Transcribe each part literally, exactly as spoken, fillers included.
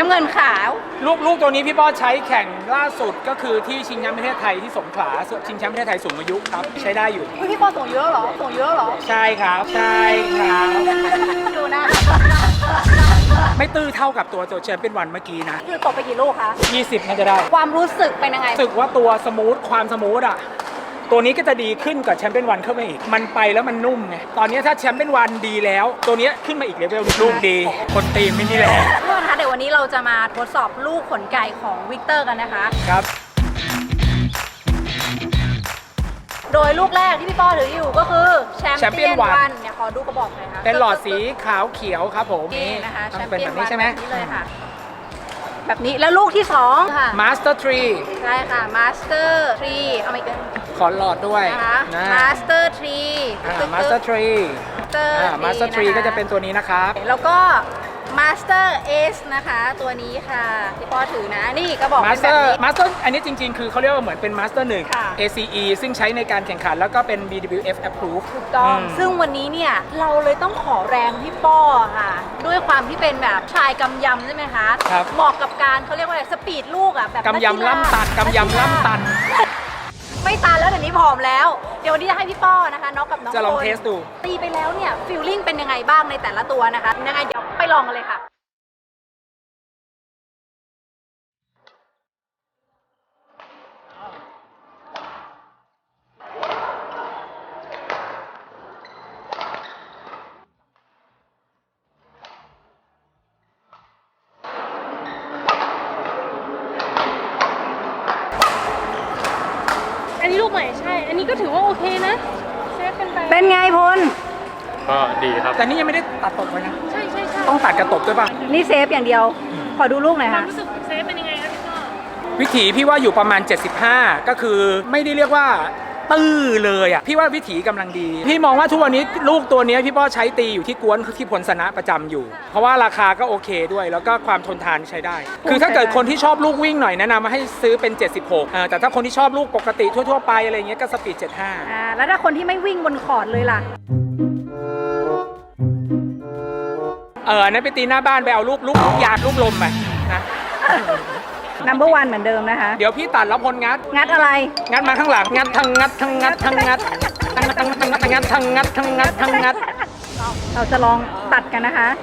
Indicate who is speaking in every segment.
Speaker 1: น้ำเงินขาว
Speaker 2: ลูกลูกตัวนี้พี่ป้อใช้แข่งล่าสุดก็คือที่ชิงแชมป์ประเทศไทยที่สงขลาชิงแชมป์ประเทศไทยสูงอายุครับใช้ได้อยู่
Speaker 1: พี่ป้อส่งเยอะเหรอส่งเยอะเหรอ
Speaker 2: ใช่ครับใช่ครับ
Speaker 1: ดูนะ
Speaker 2: ไม่ตื้อเท่ากับตัวตัวแชมเปี้ยนวันเมื่อกี้นะ
Speaker 1: คือตกไปกี่ลูกคะ
Speaker 2: ยี่สิบน่าจะได้
Speaker 1: ความรู้สึกเป็นยังไง
Speaker 2: รู้สึกว่าตัวสมูทความสมูทอ่ะตัวนี้ก็จะดีขึ้นกับแชมเปี้ยนวันเข้ามาอีกมันไปแล้วมันนุ่มไงตอนนี้ถ้าแชมเปี้ยนวันดีแล้วตัวนี้ขึ้นมาอีกเลเวลลูกดีคนตีมไม่นี่แหละ
Speaker 1: ทุกคนคะเดี๋ยววันนี้เราจะมาทดสอบลูกขนไก่ของวิกเตอร์กันนะคะ
Speaker 2: ครับ
Speaker 1: โดยลูกแรกที่พี่ป้อถืออยู่ก็คือแชมเปี้ยนวันเนี่ยขอดูกระบอกหน่อยค่ะ
Speaker 2: เป็นหลอดสีขาวเขียวครับผม
Speaker 1: นี่นะคะแชมเปี้ยน
Speaker 2: วันใช่ไหม
Speaker 1: นี่เลยค่ะแบบนี้แล้วลูกที่สองค่ะ
Speaker 2: Master Tree
Speaker 1: ใช่ค่ะ Master Tree เอามาอีก
Speaker 2: ขอหลอดด้วย
Speaker 1: นะ Master Tree
Speaker 2: Master Tree Master Tree ก็จะเป็นตัวนี้นะครับ
Speaker 1: แล้วก็ Master Ace นะคะตัวนี้ค่ะที่พ่อถือนะนี่ก็บอกเป็นแบบนี้
Speaker 2: Master อันนี้จริงๆคือเขาเรียกว่าเหมือนเป็น Master หนึ่ง เอ ซี อี ซึ่งใช้ในการแข่งขันแล้วก็เป็น บี ดับเบิลยู เอฟ Approve
Speaker 1: ถูกต้องซึ่งวันนี้เนี่ยเราเลยต้องขอแรงพี่ป้อค่ะด้วยความที่เป็นแบบชายกำยำใช่ไหมคะเหมาะกับการเขาเรียกว่าอะไรสปีดลูกอ่ะแบบ
Speaker 2: กำยำล่ำตันกำยำล่ำตัน
Speaker 1: ไม่ตันแล้วเดี๋ยวนี้ผอมแล้วเดี๋ยววันนี้จะให้พี่ป้อนะคะน้องกับน้อง
Speaker 2: จะลองเทสดู
Speaker 1: ตีไปแล้วเนี่ยฟีลลิ่งเป็นยังไงบ้างในแต่ละตัวนะคะยังไงเดี๋ยวไปลองกันเลยค่ะ
Speaker 3: อันนี้ลูกใหม่ใช่ อันนี้ก็ถือว่าโอเคนะเซฟเป็นไป
Speaker 1: เป็นไงพล
Speaker 4: ก็ดีครับ
Speaker 2: แต่นี่ยังไม่ได้ตัดตบไว้นะ
Speaker 3: ใช่ใช่ใช่
Speaker 2: ต้องตัดกระตบด้วยป่ะ
Speaker 1: นี่เซฟอย่างเดียวขอดูลูกหน่อยค่ะ
Speaker 3: ความรู้สึกเซฟเป็นยังไงครับพี่ป้อ
Speaker 2: วิถีพี่ว่าอยู่ประมาณเจ็ดสิบห้าก็คือไม่ได้เรียกว่าตื้อเลยอ่ะพี่ว่าวิถีกำลังดีพี่มองว่าทุกวันนี้ลูกตัวนี้พี่ป้อใช้ตีอยู่ที่กวนที่พลสนะประจำอยู่เพราะว่าราคาก็โอเคด้วยแล้วก็ความทนทานใช้ได้คือถ้าเกิดคนที่ชอบลูกวิ่งหน่อยแนะนำมาให้ซื้อเป็นเจ็ดสิบหกแต่ถ้าคนที่ชอบลูกปกติทั่วๆไปอะไรเงี้ยก็สปีดเจ็ดสิบห้า
Speaker 1: อ่าแล้วถ้าคนที่ไม่วิ่งบนคอร์ดเลยล่ะ
Speaker 2: เออนั่นไปตีหน้าบ้านไปเอาลูกลูกยาดลูกลมไปนะ
Speaker 1: นัมเบอร์วันเหมือนเดิมนะคะ
Speaker 2: เดี๋ยวพี่ตัดแล้วพลงัด
Speaker 1: งัดอะไร
Speaker 2: งัดมาข้างหลังงัดทั้งงัดทั้งงัดทั้งงัดทั้งงัดทั้งงัดทั้งงัดทั้งงัดทั้งงัด
Speaker 1: เราจะลองตัดกันนะคะ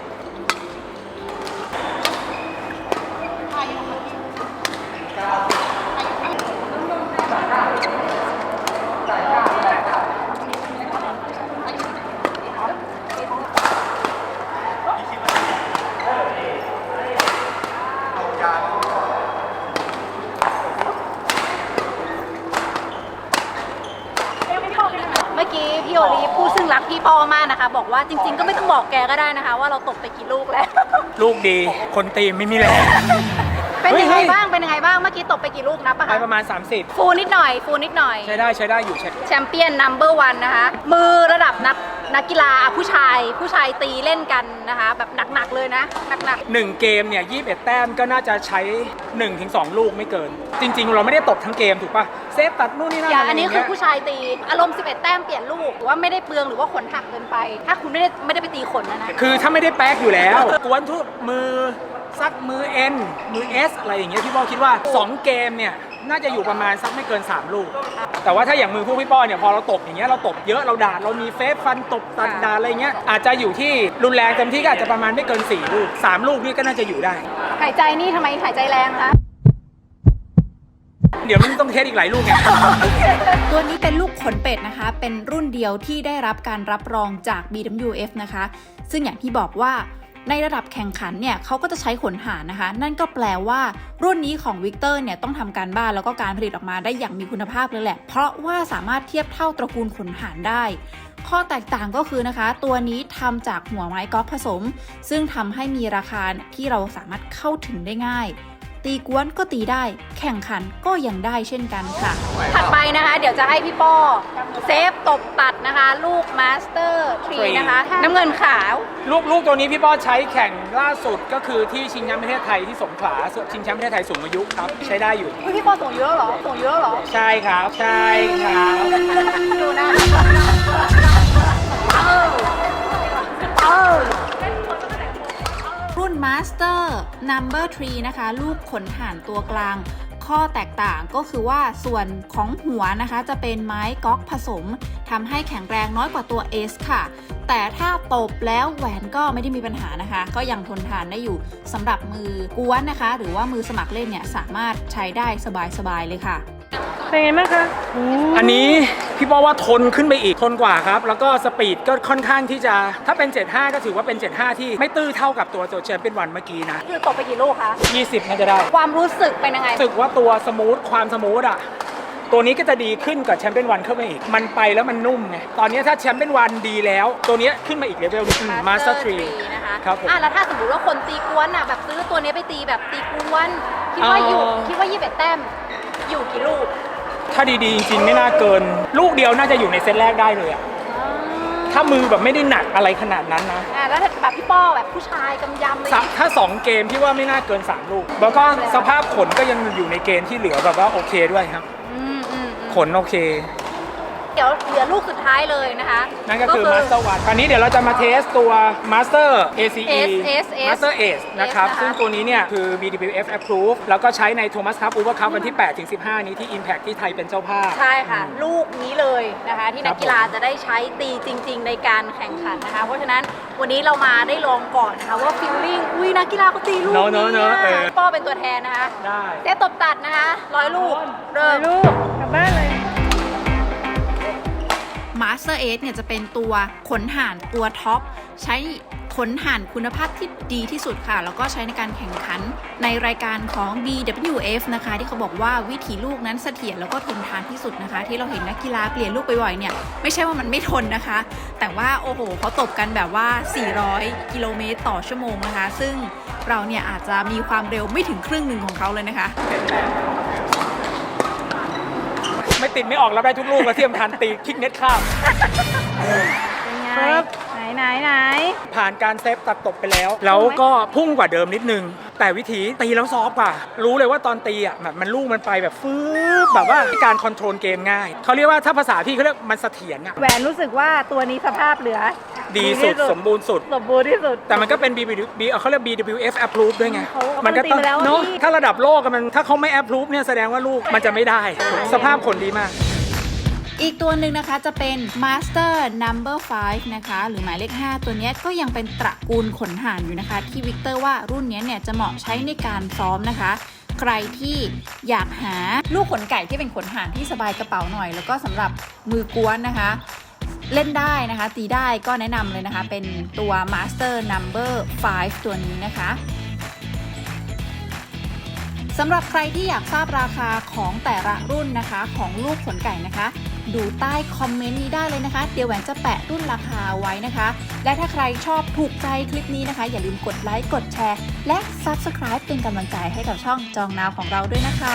Speaker 1: เมื่อกี้พี่โอลีฟผู้ซึ่งรักพี่ป้อมากนะคะบอกว่าจริงๆก็ไม่ต้องบอกแกก็ได้นะคะว่าเราตกไปกี่ลูกแล้ว
Speaker 2: ลูกดีคนตีไม่มีแรง
Speaker 1: เป็นยังไงบ้างเป็นยังไงบ้างเมื่อกี้ตกไปกี่ลูกนับปะคะ
Speaker 2: ไปประมาณสามสิบ
Speaker 1: ฟูนิดหน่อยฟูนิดหน่อย
Speaker 2: ใช้ได้ใช้ได้อยู่
Speaker 1: แชมเปี้ยนนัมเบอร์วันนะคะมือระดับนักนักกีฬาผู้ชายผู้ชายตีเล่นกันนะคะแบบหนักๆเลยนะหนัก
Speaker 2: ๆหนึ่งเกมเนี่ยยี่สิบเอ็ดแต้มก็น่าจะใช้ หนึ่งถึงสอง ลูกไม่เกินจริงๆเราไม่ได้ตกทั้งเกมถูกปะเซฟตัดนู่นนี่นั่น
Speaker 1: อย่างอันนี้คือผู้ชายตีอารมณ์สิบเอ็ดแต้มเปลี่ยนลูกว่าไม่ได้เปลืองหรือว่าขนหักเกินไปถ้าคุณไม่ได้ไม่ได้ไปตีขนนะนะ
Speaker 2: คือถ้าไม่ได้แป๊กอยู่แล้วกวนทุกมือซักมือ N มือ S อะไรอย่างเงี้ยพี่ป้อคิดว่าสองเกมเนี่ยน่าจะอยู่ประมาณสักไม่เกินสามลูกแต่ว่าถ้าอย่างมือพวกพี่ป้อเนี่ยพอเราตบอย่างเงี้ยเราตบเยอะเราด่าเรามีเฟซฟันตบตัดด่าอะไรเงี้ยอาจจะอยู่ที่รุนแรงเต็มที่ก็อาจจะประมาณไม่เกินสี่ลูกสามลูกนี่ก็น่าจะอยู่ได้
Speaker 1: หายใจนี่ทำไมหายใจแรงคะ
Speaker 2: เดี๋ยวมันต้องเทสอีกหลายลูกไง
Speaker 5: ตัวนี้เป็นลูกขนเป็ดนะคะเป็นรุ่นเดียวที่ได้รับการรับรองจาก บี ดับเบิลยู เอฟ นะคะซึ่งอย่างที่บอกว่าในระดับแข่งขันเนี่ยเขาก็จะใช้ขนหารนะคะนั่นก็แปลว่ารุ่นนี้ของวิกเตอร์เนี่ยต้องทำการบ้านแล้วก็การผลิตออกมาได้อย่างมีคุณภาพเลยแหละเพราะว่าสามารถเทียบเท่าตระกูลขนหารได้ข้อแตกต่างก็คือนะคะตัวนี้ทำจากหัวไม้ก๊อกผสมซึ่งทำให้มีราคาที่เราสามารถเข้าถึงได้ง่ายตีกวนก็ตีได้แข่งขันก็ยังได้เช่นกันค่ะ
Speaker 1: ถัดไปนะคะเดี๋ยวจะให้พี่ป้อเซฟตบตัดนะคะลูกมาสเตอร์ทรีนะคะน้ำเงินขาว
Speaker 2: ลูกลูกตัวนี้พี่ป้อใช้แข่งล่าสุดก็คือที่ชิงแชมป์ประเทศไทยที่สงขลาชิงแชมป์ประเทศไทยสูงอายุครับใช้ได้อยู่
Speaker 1: พี่ป้อส่งเยอะเหรอส่งเยอะเหรอ
Speaker 2: ใช่ครับใช่ครับ
Speaker 1: ดูนะเออเออ
Speaker 5: รุ่น Master Number สามนะคะลูกขนห่านตัวกลางข้อแตกต่างก็คือว่าส่วนของหัวนะคะจะเป็นไม้ก๊อกผสมทำให้แข็งแรงน้อยกว่าตัว S ค่ะแต่ถ้าตบแล้วแหวนก็ไม่ได้มีปัญหานะคะก็ยังทนทานได้อยู่สำหรับมือกวนนะคะหรือว่ามือสมัครเล่นเนี่ยสามารถใช้ได้สบายๆเลยค่ะ
Speaker 3: เป็นไงบ้างคะ
Speaker 2: อันนี้พี่บอกว่าทนขึ้นไปอีกทนกว่าครับแล้วก็สปีดก็ค่อนข้างที่จะถ้าเป็นเจ็ดสิบห้าก็ถือว่าเป็นเจ็ดสิบห้าที่ไม่ตื้อเท่ากับตัวตัวแชมเปี้ยนวันเมื่อกี้นะ
Speaker 1: คือตกไปกี่ลูกคะ
Speaker 2: ยี่สิบน่าจะได้
Speaker 1: ความรู้สึกเป็นยังไง
Speaker 2: รู้สึกว่าตัวสมูทความสมูทอ่ะตัวนี้ก็จะดีขึ้นกับแชมเปี้ยนวันเข้ามาอีกมันไปแล้วมันนุ่มไงตอนนี้ถ้าแชมเปี้ยนวันดีแล้วตัวนี้ขึ้นมาอีกเลเวลนึงมาสเตอร์ทรี
Speaker 1: นะคะ
Speaker 2: ครับผม
Speaker 1: อ่ะแล้วถ้าสมมติว่าคนตีกวนอ่ะแบบซื้อตัวนี้ไปตีแบบตีกวนคิดว่าอยู่คิดว่ายี่สิบเอ็ดแต้มอยู่กี่ลูก
Speaker 2: ถ้าดีๆจริงๆไม่น่าเกินลูกเดียวน่าจะอยู่ในเซตแรกได้เลยอะถ้ามือแบบไม่ได้หนักอะไรขนาดนั้นนะ
Speaker 1: อ่าแล้วแบบพี่ป้อแบบผู้ชายกำยำเลย
Speaker 2: ถ้าสองเกมพี่ว่าไม่น่าเกินสามลูกแล้วก็สภาพขนก็ยังอยู่ในเกณฑ์ที่เหลือแบบว่าโอเคด้วยครับขนโอเค
Speaker 1: เดี๋ยวเหลือลูกสุดท้ายเลยนะคะ
Speaker 2: นั่นก็คือ Master วันคราวนี้เดี๋ยวเราจะมาเทสตัว Master เอ ซี อี Master Ace นะครับซึ่งตัวนี้เนี่ยคือ บี ดับเบิลยู เอฟ Approve แล้วก็ใช้ใน Thomas Cup Uber Cup วันที่ แปดถึงสิบห้า นี้ที่ Impact ที่ไทยเป็นเจ้าภาพ
Speaker 1: ใช่ค่ะลูกนี้เลยนะคะที่นักกีฬาจะได้ใช้ตีจริงๆในการแข่งขันนะคะเพราะฉะนั้นวันนี้เรามาได้ลองก่อนนะคะว่า feeling อุ้ยนักกีฬาเขาตีลูกนี้เนี่ยป้อเป็นตัวแทนนะคะ
Speaker 2: ได้
Speaker 1: เซตตบตัดนะคะร้อยลูกเริ่ม
Speaker 3: ลูกกลับบ้านเลย
Speaker 5: Master Ace เนี่ยจะเป็นตัวขนห่านตัวท็อปใช้ขนห่านคุณภาพที่ดีที่สุดค่ะแล้วก็ใช้ในการแข่งขันในรายการของ บี ดับเบิลยู เอฟ นะคะที่เขาบอกว่าวิถีลูกนั้นเสถียรแล้วก็ทนทานที่สุดนะคะที่เราเห็นนักกีฬาเปลี่ยนลูกบ่อยๆเนี่ยไม่ใช่ว่ามันไม่ทนนะคะแต่ว่าโอ้โหเขาตบกันแบบว่าสี่ร้อยกิโลเมตรต่อชั่วโมงนะคะซึ่งเราเนี่ยอาจจะมีความเร็วไม่ถึงครึ่งหนึ่งของเขาเลยนะคะ
Speaker 2: ไม่ติดไม่ออกแล้วได้ทุกลูกแล้วเทียมทันตีคิกเน็ตข้าม
Speaker 1: เป็นไงไหนไหนไหน
Speaker 2: ผ่านการเซฟตัดตบไปแล้วแล้วก็พุ่งกว่าเดิมนิดนึงแต่วิธีตีแล้วซอฟกว่ารู้เลยว่าตอนตีอ่ะแบบมันลูกมันไปแบบฟืบแบบว่าการคอนโทรลเกมง่ายเขาเรียกว่าถ้าภาษาพี่เขาเรียกมันเสถียรอ่ะ
Speaker 1: แหวนรู้สึกว่าตัวนี้สภาพเหลือ
Speaker 2: ดีสุดสมบูรณ์สุด
Speaker 1: สมบูรณ์ที่สุด
Speaker 2: แต่มันก็เป็น บี บี เขาเรียก บี ดับเบิลยู เอฟ approve ด้วยไงมันก็ต้องเนาะถ้าระดับโลกมันถ้าเขาไม่ approve เนี่ยแสดงว่าลูกมันจะไม่ได้สภาพขนดีมาก
Speaker 5: อีกตัวหนึ่งนะคะจะเป็น Master Number ห้านะคะหรือหมายเลขห้าตัวนี้ก็ยังเป็นตระกูลขนห่านอยู่นะคะที่วิกเตอร์ว่ารุ่นนี้เนี่ยจะเหมาะใช้ในการซ้อมนะคะใครที่อยากหาลูกขนไก่ที่เป็นขนห่านที่สบายกระเป๋าหน่อยแล้วก็สำหรับมือกวนนะคะเล่นได้นะคะตีได้ก็แนะนำเลยนะคะเป็นตัว Master Number ห้าตัวนี้นะคะสำหรับใครที่อยากทราบราคาของแต่ละรุ่นนะคะของลูกขนไก่นะคะดูใต้คอมเมนต์นี้ได้เลยนะคะเดี๋ยวแหวนจะแปะรุ่นราคาไว้นะคะและถ้าใครชอบถูกใจคลิปนี้นะคะอย่าลืมกดไลค์กดแชร์และ Subscribe เป็นกำลังใจให้กับช่องจองนาวของเราด้วยนะคะ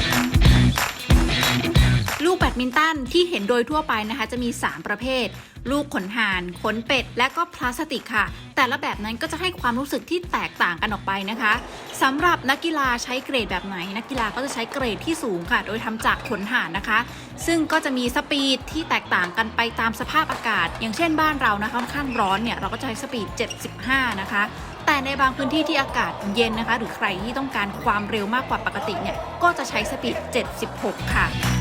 Speaker 5: ลูกแบดมินตันที่เห็นโดยทั่วไปนะคะจะมีสามประเภทลูกขนห่านขนเป็ดและก็พลาสติกค่ะแต่ละแบบนั้นก็จะให้ความรู้สึกที่แตกต่างกันออกไปนะคะสำหรับนักกีฬาใช้เกรดแบบไหนนักกีฬาก็จะใช้เกรดที่สูงค่ะโดยทำจากขนห่านนะคะซึ่งก็จะมีสปีดที่แตกต่างกันไปตามสภาพอากาศอย่างเช่นบ้านเรานะคะค่อนข้างร้อนเนี่ยเราก็จะใช้สปีดเจ็ดสิบห้านะคะแต่ในบางพื้นที่ที่อากาศเย็นนะคะหรือใครที่ต้องการความเร็วมากกว่าปกติเนี่ยก็จะใช้สปีดเจ็ดสิบหกค่ะ